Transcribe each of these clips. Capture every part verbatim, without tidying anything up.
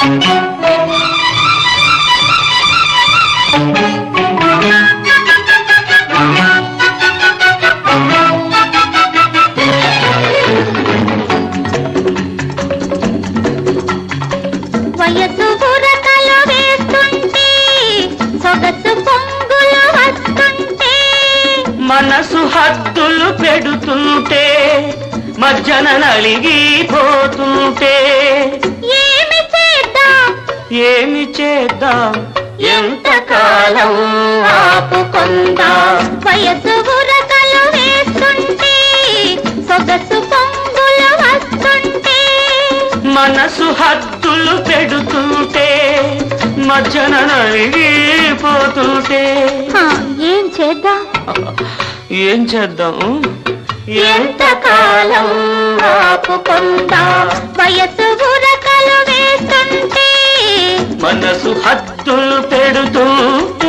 వయసు బురకలు వేస్తుంటే సొగసు పొంగులు వస్తుంటే మనసు హద్దులు పెడుతుంటే మజ్జన నలిగిపోతుంటే ఏమి చేద్దాం ఏమి చేద్దాం ఎంతకాలం ఆపుకుందాం వయసు బురకలు వేస్తుంటే సొగసు పొంగులు వస్తుంటే మనసు హద్దులు పెడుతుంటే మజ్జన నలిగిపోతుంటే ఏం చేద్దాం ఏం చేద్దాం ఎంతకాలం ఆపుకుందాం వయసు బురకలు వేస్తుంటే మనసు హద్దులు పెడుతుంటే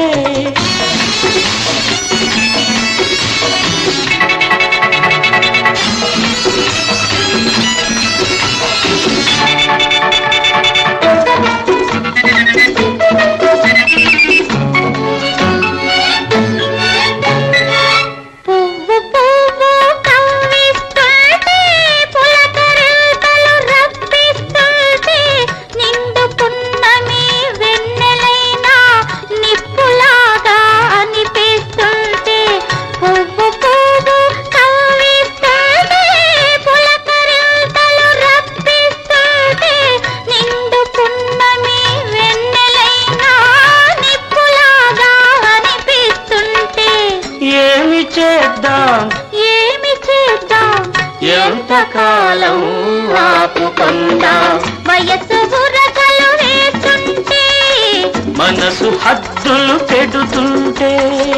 పువ్వు పువ్వు కవ్విస్తుంటే పులకరింతలు రప్పిస్తుంటే నిండు పున్నమి వెన్నెలైనా నిప్పులాగా అనిపిస్తుంటే పువ్వు పువ్వు కవ్విస్తుంటే పులకరింతలు రప్పిస్తుంటే నిండు పున్నమి వెన్నెలైనా నిప్పులాగా అనిపిస్తుంటే ఏమి చేద్దాం ఏమి చేద్దాం ఎంతకాలం ఆపుకుందాం వయసు బురకలు వేస్తుంటే మనసు హద్దులు పెడుతుంటే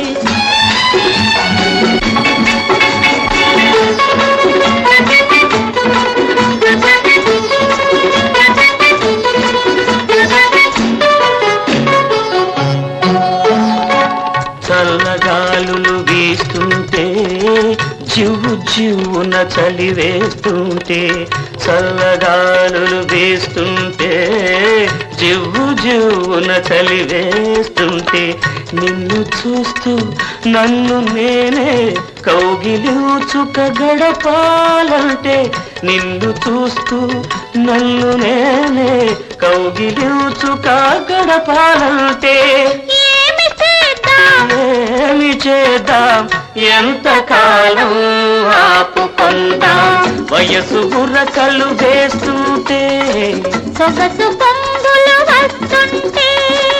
చల్లగాలులు వీస్తుంటే జివ్వు జివ్వున చలి వేస్తుంటే చల్లగాలులు వీస్తుంటే జివ్వు జివ్వున చలి వేస్తుంటే నిన్ను చూస్తూ నన్ను నేనే కౌగిలించుక గడపాలంటే నిన్ను చూస్తూ నన్ను నేనే కౌగిలించుక గడపాలంటే ఏమి చేద్దాం ఏమి చేద్దాం ఎంతకాలం ఆపుకుందాం వయసు బుర్రకలు వేస్తుంటే సొగసు పొంగులు వస్తుంటే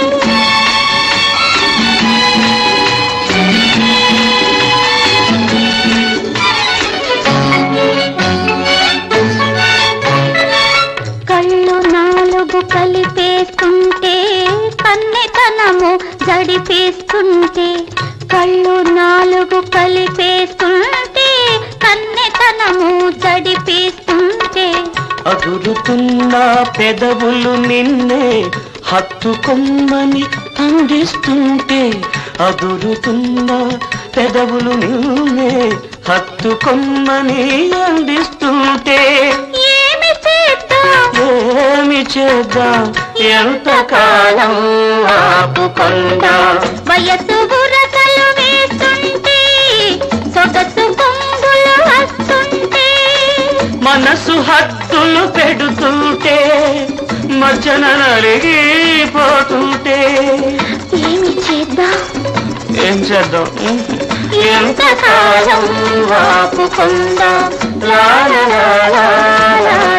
కళ్ళు నాలుగు కలిపేస్తుంటే కన్నెతనము జడిపేస్తుంటే కళ్ళు నాలుగు కలిపేస్తుంటే కన్నెతనము జడిపేస్తుంటే అదురుతున్న పెదవులు నిన్నే హత్తుకొమ్మని అందిస్తుంటే అదురుతున్న పెదవులు నిన్నే హత్తుకొమ్మని అందిస్తుంటే ఏమి చేద్దాం ఏమి చేద్దాం ఎంతకాలం ఆపుకుందాం వయసు బురకలు వేస్తుంటే సొగసు పొంగులు వస్తుంటే మనసు హద్దులు పెడుతుంటే మజ్జన నలిగిపోతుంటే ఏమి చేద్దాం ఏం చేద్దాం ఎంతకాలం ఆపుకుందాం లా లా లా లా లా.